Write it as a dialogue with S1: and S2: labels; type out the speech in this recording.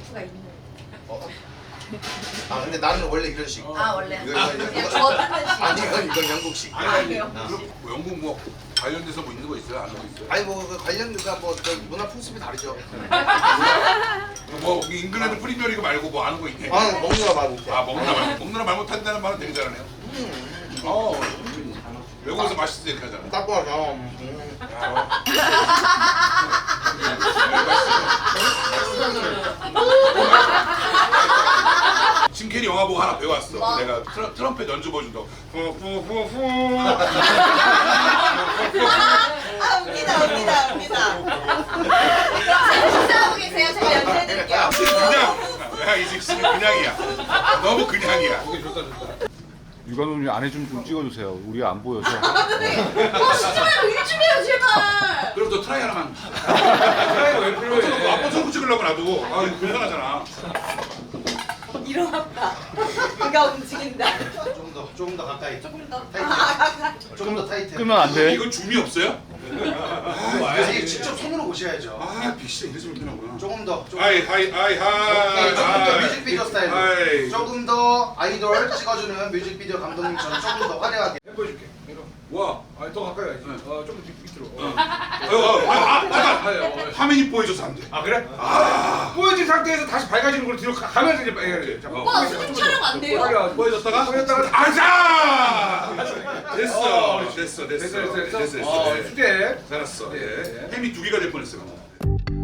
S1: 수가 있는.
S2: 아 근데 나는 원래 이런 식.
S1: 아 원래.
S2: 이거
S1: 그냥 저는 식.
S2: 아니 이건 영국식.
S1: 아니요.
S3: 그럼 뭐 영국 뭐 관련돼서 뭐 있는 거 있어요? 안 하고 있어요?
S2: 아니 뭐 관련주가 뭐 문화 풍습이 다르죠.
S3: 뭐 잉글랜드 프리미어리그 말고 뭐 아는 거 있네?
S2: 아 먹느라 말 못해.
S3: 아 먹느라 말 못한다는 말은 되게 잘하네요. 외국에서 맛있어 이렇게 하잖아.
S2: 딱 봐서.
S3: 짐 캐리 영화 보고 하나 배워왔어.
S1: 뭐?
S3: 내가 트럼펫 연주 보여준다고.
S1: 잘 식사하고 계세요. 제가 연주해드릴게요.
S3: 그냥 야 이제 그냥이야. 너무 그냥이야.
S4: 유관훈이 안에 좀 찍어주세요. 우리가 안 보여서.
S1: 쉬지 말고 일 좀 해요 제발.
S3: 그럼 너 트라이 하나만. 트라이가 왜 필요해? 아빠 손 찍으려고 놔두고. 아 이거 불편하잖아.
S1: 일어났다. 그가 움직인다.
S2: 조금 더 가까이.
S1: 조금 더.
S2: 조금 더 타이트.
S4: 끄면 안 돼.
S3: 이거 줌이 없어요?
S2: 이게 직접 손으로 보셔야죠.
S3: 아 빅시 이래서 불편하구나.
S2: 조금 더.
S3: 하이 하이 하이 하이.
S2: 조금 더 뮤직비디오 스타일로.
S3: 하이.
S2: 조금 더 아이돌 찍어주는 뮤직비디오 감독님처럼 조금 더 화려하게.
S5: 해보여줄게.
S3: 와.
S5: 아니 더 가까이 가야지. 조금 밑으로.
S3: 잠깐. 화면이 보여줘서 안 돼.
S5: 아 그래? 보여진 상태에서 다시 밝아지는 걸 뒤로 가면서 이제 해야지.
S1: 오빠 수중 촬영 안 돼요?
S3: 보여줬다가
S5: 보여줬다가
S3: 아자. 됐어.
S5: 됐어. 수제.
S3: 잘했어. 예. 햄이 2개가 될 뻔했어요.